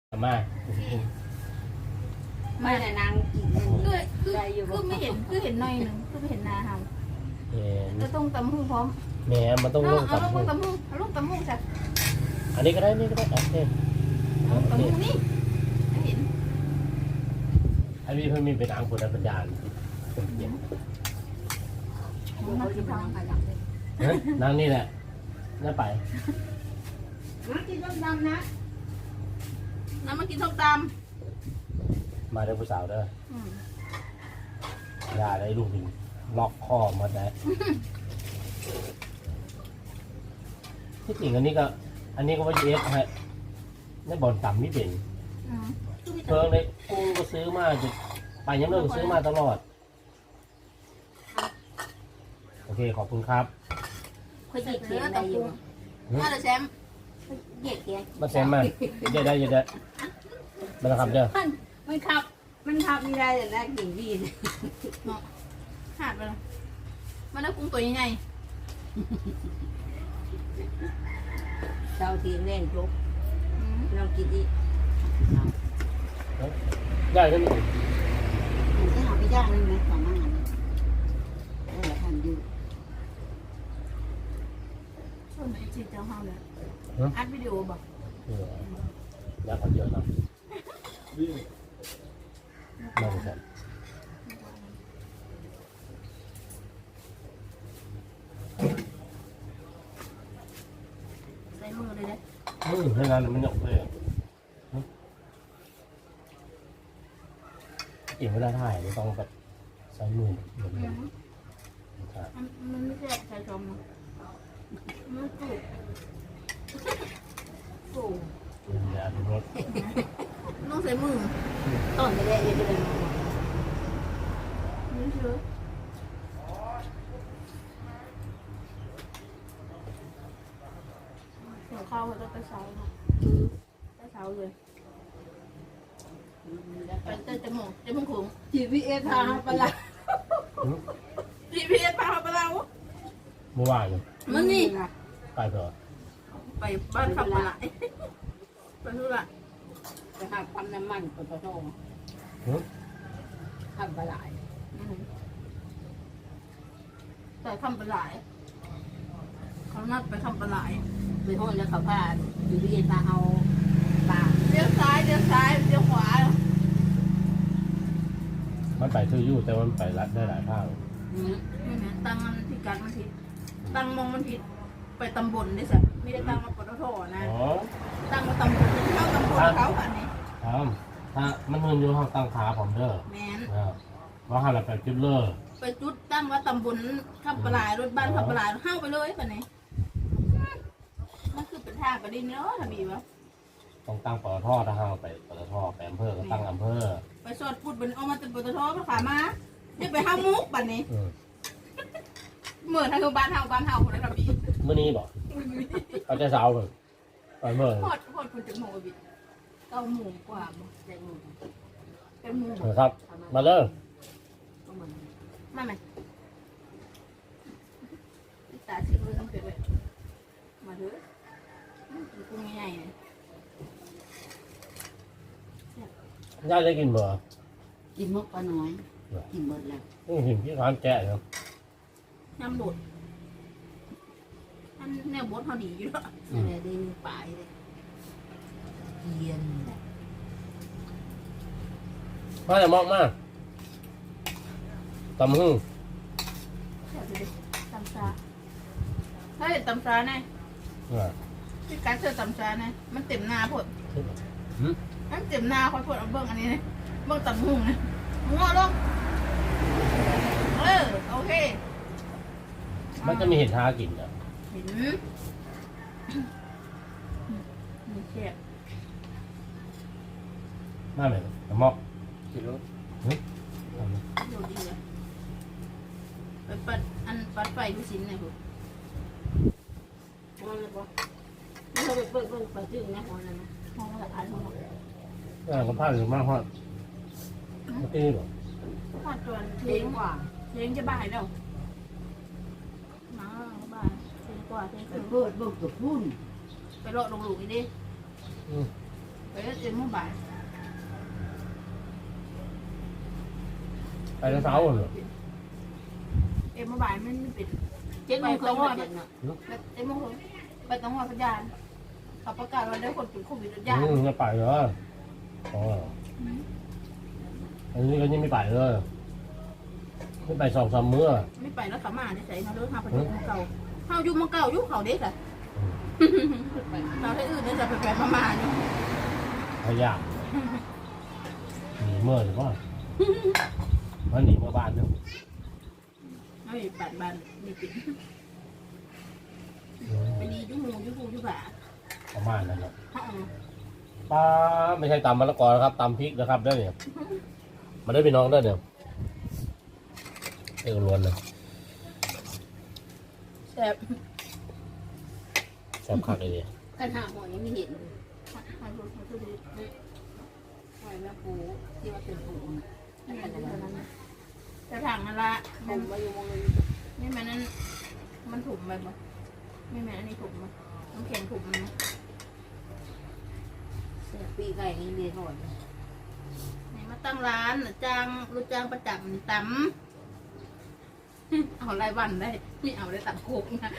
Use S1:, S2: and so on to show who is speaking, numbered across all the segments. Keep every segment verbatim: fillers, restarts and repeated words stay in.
S1: มา
S2: ไม่แต่นางกินคือคือคือไม่เห็นคือเห็นหน่อยหนึ่งคือไม่เห็นนาเฮา
S1: เห็น
S2: จะต้องตำหูพร้อม
S1: แหมมันต้อง
S2: เอา
S1: ลง
S2: เอา
S1: กับ
S2: ลูกตำหูเอาลูกตำหูจ้ะ
S1: อันนี้ก็ได้นี่ก็ได้โอเค
S2: เอาตำหูนี่ไม่เห็น
S1: อันนี้เพิ่งมีเป็นอังคุนปัญญาคนเดียว
S2: มากินทางไปหลังเลย
S1: นั่งนี่แหละน่าไป
S2: มากินส้มตำนะน้ำมากินส้มต
S1: มาเด้อผู้สาวเด้อ
S2: ำอืม
S1: อย่าได้ลูกหินล็อกคอมาได้ที่จริงอันนี้ก็ อันนี้ก็ว่าเอฟฮะในบอลต่ำไม่เป็น
S2: อืมคือมี
S1: เพิ่
S2: แต่
S1: งเลยกูก็ซื้อมาจะไปยังเลิกซื้อมาตลอดโอเคขอบคุณครับ
S2: เคยเหยียดเขียนอะไรอยู่มาเลยแชมป์เหยียดเขียน
S1: มาแซมมาเดี๋ยวได้เดี๋ยวได้มาแล้วครับเด้อ
S2: มันมันขับ มันขับไม่ได้แต่แรกกิ่งวีนขาดไปแล้วมันได้กุ้งตัวใหญ่
S3: เช้าทีเล่นจุก
S2: ๆอืม
S3: เรากินอีก
S1: ได้ใช่ไหม
S3: มันจะหาไม่ยากเลยไหมสองงานเออทำอยู่
S2: ส่วนไอ้จีเจ้าเฮาเลยอัดวิดีโอบอก
S1: เอออยากขอเยอะเนาะนั่งกัน
S2: ใส่มือเลยเด้
S1: อืมให้งานมันหยกเลยกินไม่ได้ถ่ายไม่ต้องแบบใช้มือเหมือนกันครับ
S2: มันมันไม่ใช่ใส่ชมมันจุกโอ้
S1: อย่าดูรถ
S2: ต้องใส่มือ
S3: ต้นไปได้ยังไง
S2: นี่เชื่อเสียข้าวเขาจะไปเช้าเนาะไปเช้าเลยไปเต้นจมูกจมูกขุง
S3: จีพีเอสพาไปละ
S2: จีพีเอสพาไปแล้ว
S1: เมื่อวาน
S2: มันนี่
S1: ไปเถอะ
S2: ไปบ้านขับปลาไปทุระ
S3: ไปหาปั๊มน้ำมันปตททำปลาไหล
S2: แต่ทำปลาเขานัดไปทำปลา
S3: ไปห้องแล้วเขาพาจีพีเอสพาเอาปลา
S2: เลี้ยวซ้ายเลี้ยวซ้ายเลี้ยวขวา
S1: มันไปซื้ออยู่แต่มันไปรัดได้หลายทาง
S2: นี่นะตั้งมันผิดกันมันผิดตั้งมองมันผิดไปตำบลได้สิไม่ได้ตั้งมาปตทนะ
S1: อ๋อ
S2: ตั้งมาตำบลเข้าตำบลเขาอันนี้
S1: ครับถ้ามันเงินอยู่ห้องตั้งขาผมเด้อ
S2: แมน
S1: นะครับว่าห้าเราไปจุดเลิก
S2: ไปจุดตั้งว่าตำบลขับปลายรถบ้านขับปลายเข้าไปเลยปันนี้มันคือเป็นทางไปดินเนาะทบีวะ
S1: ต้องตั้งปตทถ้าห้าไปปตทไปอำเภอก็ตั้งอำเภอ
S2: ไปสอดพูดบนเอามาเป็นปตทมาขามาเดี๋ยวไปห้ามุกปันนี้
S1: อืม
S2: เหมือนทางบ้านเฮาบ้านเฮาคนนั้นทบี
S1: เมื่อนี้บอกเขาจะเสาเลยไปเมื่อ
S2: พอดพอดคนจะโมบิเก้าหมูกว่าบ่
S3: แตงโม
S2: เป็นหมู
S1: นะครับ มาเด้อ
S3: ก็มัน
S2: มาไหมตาชื่อมือต้องเป็นเลยมาเถอะกุ้งใหญ่เลย
S1: ย่าได้กินบ่
S3: กินมกปลาน้อยกินหมดแล้ว
S1: นี่หินที่ร้านแกะเนาะ
S2: น้ำโดดอันแนวบดเขาดีอยู่แล้ว
S3: อะไรได้ปลายเลยเย็น
S1: มาแต่มอกมากตำหึ่ง
S2: ตำซาถ้าเห็นตำซาไง
S1: อ่า
S2: พี่การเจอตำซาไงมันเต็มหน้าพด
S1: หืม
S2: มันเต็มหน้าเขาพดเอาเบิ้งอันนี้นะเบิ้งตำหุ่งนะงอลงเออโอเค
S1: มันจะมีเห็ดทากินอ่ะ
S2: เห็นมีเชี่ย
S1: มาไหมตำมอกกินรถหืม
S2: ดูดีเลยไปปัดอันปัดไฟผู้สินเนี่ยพวก
S3: มันเลยบอกไม่เขาไปเปิดเปิดปลาจืดนะหัวนั่นนะ
S2: ห้องละอันห้องละ
S1: อ่าก็พลาดหรือมากฮอดเมื่อกี้บอก
S2: หอดจวน
S3: เท
S2: เทียง
S3: งกว่า
S2: เทียงจะบ่ายแล้วมาบ่ายเทียงกว่าเทียง
S3: ไป
S2: ครึ่ง
S3: เปิดเบิกกับพุ่น
S2: ไปโลดลงหลุมอีกดิ
S1: อืม
S2: ไปเอ็มเมื่อบ่าย
S1: ไปแล้วเช้าเหรอ
S2: เอ็มเมื่อบ่ายมันไม่ปิด
S3: เจ็ดโมงครึ่งเจ็ดเนาะ
S2: เอ็มเมื่อคืนไปต้องรอสัญญาณเขาประกาศว่าได้คนติดโควิดสัญญาณ
S1: อืมจะไปเหรออ๋ออันนี้ก็ยังไม่ไปเลยไม่ไปสองสามมื้อ
S2: ไม่ไปแล้วขามาได้ใส่เขาเลิกหาประตูเก่าเขาอยู่มาเก่าอยู่เขาเด็กอะเราให้อื่นได้จะไปไปมามาอยู่
S1: พยายามหนีเมื่อหรือเปล่ามันหนีเมื่อบ้านเนี่ย
S2: เอาอยู่บ้านบ้านนี่ปิดไปดียุ่งมูยุ่งกูยุ่งบ่า
S1: ประมาณนั้นแหละ
S2: ฮะ
S1: ป้าไม่ใช่ตำมะละกอนะครับตำพริกนะครับได้เนี่ยมาได้พี่น้องได้เนี่ยเอกล้วนเลย
S2: แซ่บ
S1: แซ่บคักเลยดิ
S3: กันหาหมอยังไม่เห็น
S2: ให้ดูให้ดูดี
S3: หอยแม่ปูที่ว่าเป็นปู
S2: นี่มันเป็นนั้นจะถังนั่นละ
S3: ผมมาอยู่มองเลย
S2: นี่มันนั้นมันถุ่มไปบ่ไม่แม่อันนี้ถุ่มมั้ยน้ำแข็งถุ่มมั้ย
S3: ปีไก่นี่เรียนหอย
S2: นี่มาตั้งร้านจ้างรู้จ้างประจำตำเอารายวันได้ไม่เอาได้ตัดโคกนะ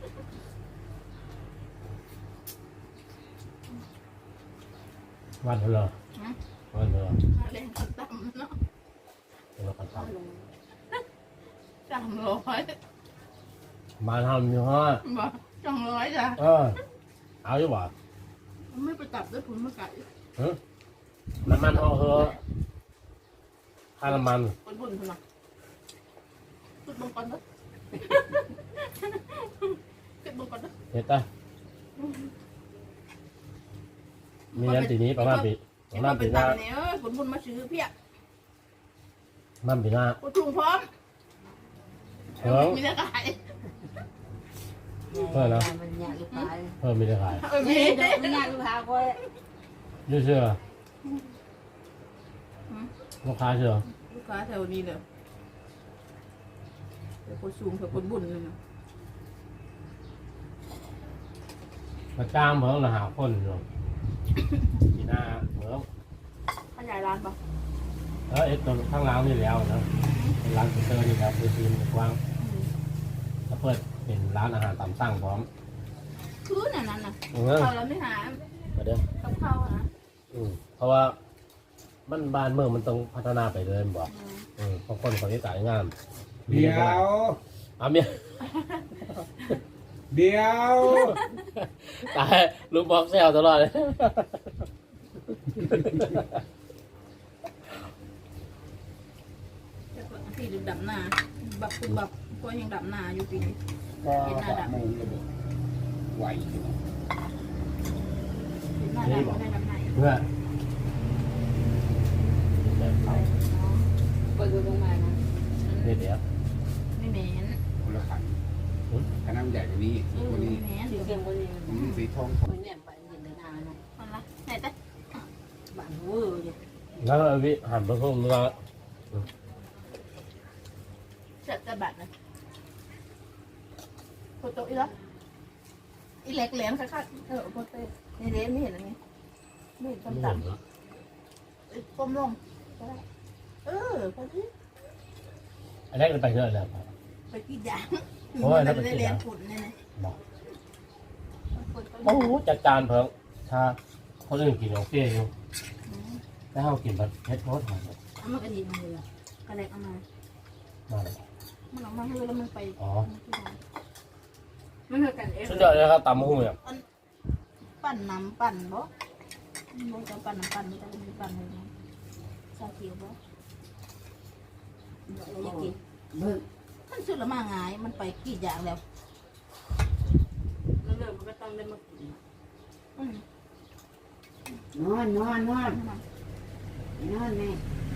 S1: วันเถอะเหรอวันเถอะ
S2: เล่นขันตำเนาะ
S1: เราคันต
S2: สามร้อย
S1: ำมาทำอยู่ฮะ
S2: บ่สองร้อยจ้ะ
S1: เออเอาอยู่บ่
S2: ไม่ไปจับด้วยผลมะไก่
S1: ฮะน้ำมันเอาเหอะค่าน้ำมัน
S2: คนบุญคนละขึ้นบงก่อนเด้อขึ้นบงก่อนเด้อ
S1: เห็ดจ้ะมีเงินปีนี้ประมาณปีประมาณปีหน้า
S2: เนี่ยผลบุญมาซื้อเพียบ
S1: ประมาณปีหน้า
S2: กูถุงพร้อม
S1: เพิ่ม
S2: มีแต่ขาย
S3: มันยากลูกค้า
S1: เพิ่มมีได้ขาย
S2: เออมี
S3: มันยากลูกค้าก็
S1: ยืดเชื่อลูกค้าเชื่อ
S2: ลูกค้าแถวนี้เลยเดี๋ยวคนสูงเถอะคนบุญเลยนะ
S1: มาจ้างเพิ่งละหาคนอยู่ปีหน้าเพิ่ง
S2: ขยายร้านปะ
S1: เออเอ็ดตัวข้างล่างนี่แล้วนะเป็นร้านฟิเตอร์นี่ครับคือทีมกว้างแล้วเปิดเป็นร้านอาหารตามสั่งพร้อม
S2: คือนั่นนั่นน่ะ
S1: เออ
S2: เขาเราไม่หา
S1: มาเด้อ
S2: กับข้าวนะ
S1: อืมเพราะว่ามันบ้านเมืองมันต้องพัฒนาไปเลยบอกอืมบางคนเขาจะจ่ายงาน
S4: เดี๋ยว
S1: เอาเมีย
S4: เดี๋ยว
S1: ตายลุงบอกแซวตลอดเลย
S2: ที่ดึกดำนาบับปุ๊บบับก็ยังดำนาอยู่ปีนี้
S4: ก็สามโมงระเบิดไหวอยู่
S2: หน้าดำไม่ได้ดำนา
S1: เพื่อแบบเขา
S3: เปิดดูลงมานะ
S1: เนี่ยเดี๋ยว
S2: ไม่เหม็น
S4: คนละขันขนาดใหญ่กว่านี้
S2: เออ
S4: ตัว
S2: ไม่
S4: นี้
S2: เหม็น
S3: สี
S2: เดี๋ยว
S3: เขียวคนนี้
S4: อืมสีทอง
S3: คนเนี่ยไปเห็นในนาเนาะ
S2: มันละไหนแต่
S3: บ้านเวอร์เนี่ย
S1: แล้วเอาวิหันไปพุ่งแล้ว
S2: จัดจะบัตรนะโคโตอีละอีเล็กเหรียญค่ะค่ะเออโคโตนี่เด้ไม่เห็นอะไรไม่เห็น
S1: ไม่
S2: ต่ำ
S1: เห็น
S2: ๆ
S1: เหรอ
S2: ก้มลงเออไปที่
S1: อันแรกเราไปเท่าไหร่แล้ว
S2: ไปกี่อย่าง
S1: โอ้ยแล้วไป
S2: ได้
S1: กี่
S2: เรี
S1: อย
S2: น
S1: ย่าง
S2: ฝุ่นเนี่ยนะ
S1: บอกโอ้โหจัดจานเพิ่งถ้าคนอื่นกินโอเคอยู่ถ้าเรากินแบบเฮ็ดโพสหอม
S3: เอามากันดีเลยอ่ะ
S2: กระเล็กเอามา
S1: มา
S2: มันออกมาให้แล้วมันไป
S1: อ๋อ
S3: มันเท่ากันเอง
S1: สุดยอดเลยครับตำมะฮุ่งเนี่ย
S2: ปั่นน้ำปั่นบ่บ่จะปั่นน้ำปั่นไม่ได้มีปั่นเลยนะชาเขียวบ่
S3: อยากกิน
S4: เบิ่ง
S2: มันสุดละมาง่ายมันไปกี่อย่างแล้ว
S3: แล้วเริ่มมันก็ต้องได้มากิน
S2: อืม
S3: นอนนอนนอน
S2: ปั่นมัน
S3: นอนแม่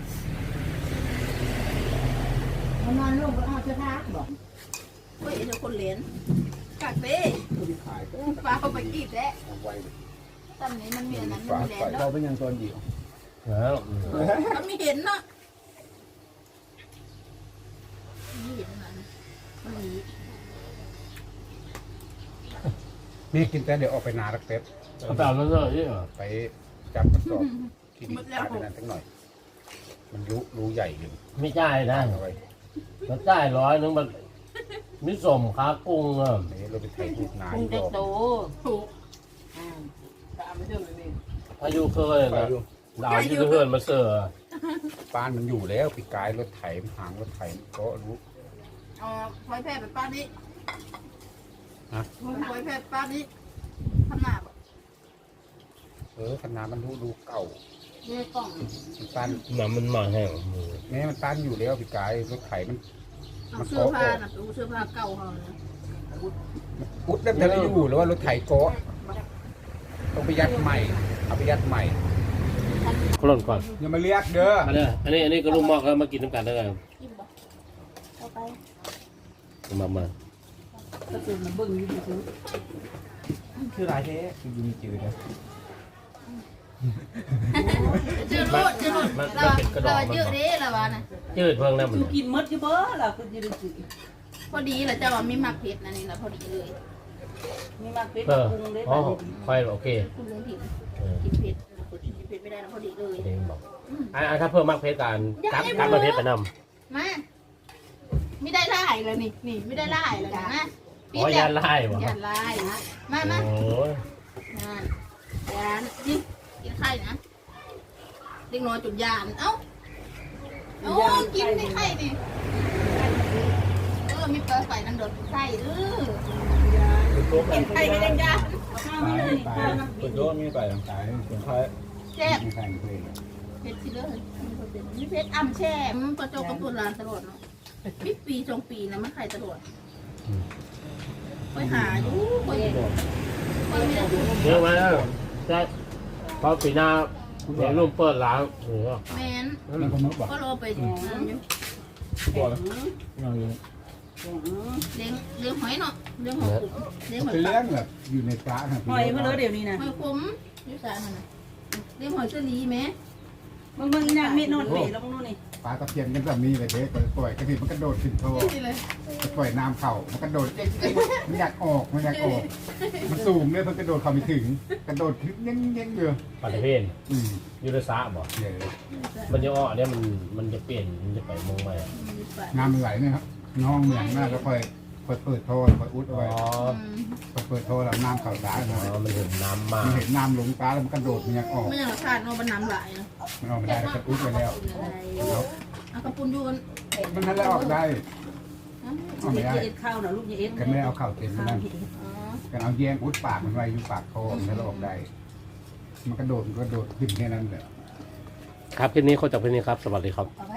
S3: นอนลูกก็เอาเสื้อผ้าบอก
S2: เฮ้ยเดี๋ยวคนเหรียญกักเต้
S4: ตัวที่ขายก็
S2: ฟ้าเอาไปกี่แท้
S4: เอาไว้
S2: ตอนนี้มันมีอันนั้นมัน
S4: ฝา
S2: มีแหล
S4: ใส่
S2: นแล้
S4: เรา
S2: ว
S4: เป็นยังตัวเดียว
S1: แล้วอืม
S2: มันมีเห็นเนาะมีเห็นอันนั้นมันมี
S4: นี่กินแต่เดี๋ยวออกไปนาลักเต็บ
S1: เขาไปเอาเรื่องนี้เหรอ
S4: ไปจับมันสอบที่ดินตายไปนั้นสักหน่อย มันรู้รู้ใหญ่อยู่
S1: ไม่จ่ายนะ
S4: เอาไว้
S1: มันจ่ายร้อยนึงมันมิสมค้ากุ้งอ่ะ
S4: นี่เราไปไถทูกนา
S3: คุณ
S4: อีก
S3: เด็
S4: ร
S3: ก
S4: อบ
S3: โต
S2: ถูก
S3: อ่า
S1: พายุเคย
S4: ไป
S1: นะ
S4: อยู่
S1: ดาวยุเคยมาเสือ
S4: บ้านมันอยู่แล้วปีกายรถไถหางรถไถก็รู้
S2: เอาพลอยแพร่ไปป้านี้
S4: ฮะ
S2: พลอยแพร่ป้านี้ทำหนาบ
S4: เออขนาดมันรู้ดูเก่า
S3: เรียกกล่อง
S4: มันตัน
S1: มันมันมาแห้ง
S4: แม้มันตันอยู่แล้วปีกายรถไถมัน
S2: เอาเสื้อผ้าน่ะไปเอาเสื้อผ้าเก่าเขาเลย
S4: อุดได้แต่ไม่อยู่หรือว่ารถไถโกะต้องไปยัดใหม่เอาไปยัดใหม่
S1: คนล่นก่อน
S4: อย่ามาเรียกเด้อ
S1: อันนี้อันนี้อันนี้ก็ลูกหมอกเขามากินน้ำกันได้ไง
S2: กินบ่เอาไป
S1: มามา
S3: ก็คือมันเบิ่งอยู่ซื่อ
S4: คือไรเท่คือยิงจืดนะ
S2: เจอโลดเจอโลดเราเราเยอะเด้เราว่าน่ะ
S1: จืดเพิ่งนั่นมัน
S3: คือกินมดอยู่เบ้อล่ะคือจะได้สิ
S2: พอดีแหละเจ้าว่ามีหมักเผ็ดนะนี่แหละพอดีเลย
S3: มีมักเป็ด
S1: เออ
S3: ปรุงได้
S1: อ๋อ
S3: ป่ะ
S1: ไฟโอเค
S2: คุณลุงถิ่น
S1: เออ
S2: กินเผ็ดคนกินเผ็ดไม่ได้นะพอดีเลย
S1: เด้งบอกอ่าถ้าเพิ่มมากเพชรการกัดกัดมาเพชรไปนำ
S2: มาไม่ได้ไล่เลยนี่นี่ไม่ได้ไล่เลยนะ
S1: อ๋อยาไล่บ่
S2: ยานไล่นะมามา
S1: โอ้ย
S2: งานยานกินกินไข่นะเด็กน้อยจุดยานเอ้าโอ้กินในไข่ดิเออมีเปิดไฟนั่นโดดไข่เออกินไข่ไม่ได้ยาข้าวไม่เลยข้าวน้ำ
S4: คนโยนมีไปต่างๆคนไทย
S2: แซ่บ
S4: มีใครเคย
S2: เผ็ดสิเลยมีเผ็ดอ่ำแช่มันประจบกับตัวร้านตลอดเนาะปีปีสองปีนะมันไข่ตลอดไปหาอยู่ไปไปไม่ได้
S1: เยอะไหมใช่พอปีหน้าเดี๋ยวรุ่มเปิดร้านหรือว่า
S2: แมน
S4: นั่นคนนึกว่า
S2: ก็รอไปอยู่นั่นอยู่
S4: บอกแล้วยังอยู่
S2: เลี้ยงเลี้ยงหอยเนาะเลี้ยงหอยขมเลี้ยงหอย
S4: เป็น
S2: ป
S4: เลี้
S2: ลาย
S4: งแบบอยู่ในปลา
S3: หอยมาเลยเดี๋ยวนี้นะ
S2: หอยขมอยู่สายมันนะเลี้ยงหอยเชอรี่ไหม
S3: มึงมึงน่ะเม็ดนอนเปลงนู่นนี่
S4: ปลาตะเพียนกันแบบนี้เลยเด็กปล่อยกระดิ่งมันกระโดดขึ้นท่อ
S2: นี่เลย
S4: ปล่อยน้ำเข่ามันกระโดดมันอยากออกมันอยากออก มันสูงเนี่ยมันกระโดดเข้าไม่ถึง กระโดดขึ้นเงี้ยเงี้ยเยอะ
S1: ปฏิเพน
S4: อืม
S1: ยูริสะบอก
S4: เดี๋ยว
S1: มันจะอ้อเนี่ยมันมันจะเปลี่ยนมันจะไปมงใหม่
S4: น้ำมันไหลเนี่ยครับน้องเหมือนมากแล้วค่อยค่อยเปิดท่อค่อยอุดเอา
S1: อ๋อ
S4: ไว้ค่อยเปิดท่อแล้วน้ำเข่าตา
S1: อ๋อมันถึงน้ำมา
S4: มันเห็นน้ำลงตาแล้วมันกระโดดมันอยากออก
S2: ไม่อย่างขาดเนาะมันน้ำไหลเนาะ
S4: มันออกไม่ได้ก็อุดไว้แล้วแล้ว
S2: เอากระปุนยูน
S4: มันนั่นแหละออกได้ออกไม่ได้
S3: เอ็ดข้าวนะลูกอย่าเอ็ด
S4: กันไม่เอาเข่าเต็ม
S3: ข้าว
S4: นั่น
S3: เห็ด
S2: อ๋อ
S4: กันเอาแยงอุดปากมันไว้อยู่ปากท่อมันแล้วออกได้ มันกระโดดมันกระโดดขึ้นแค่นั้นแหละ
S1: ครับคลิปนี้เขาจากคลิปนี้ครับ สวัสดีครับ
S3: เอา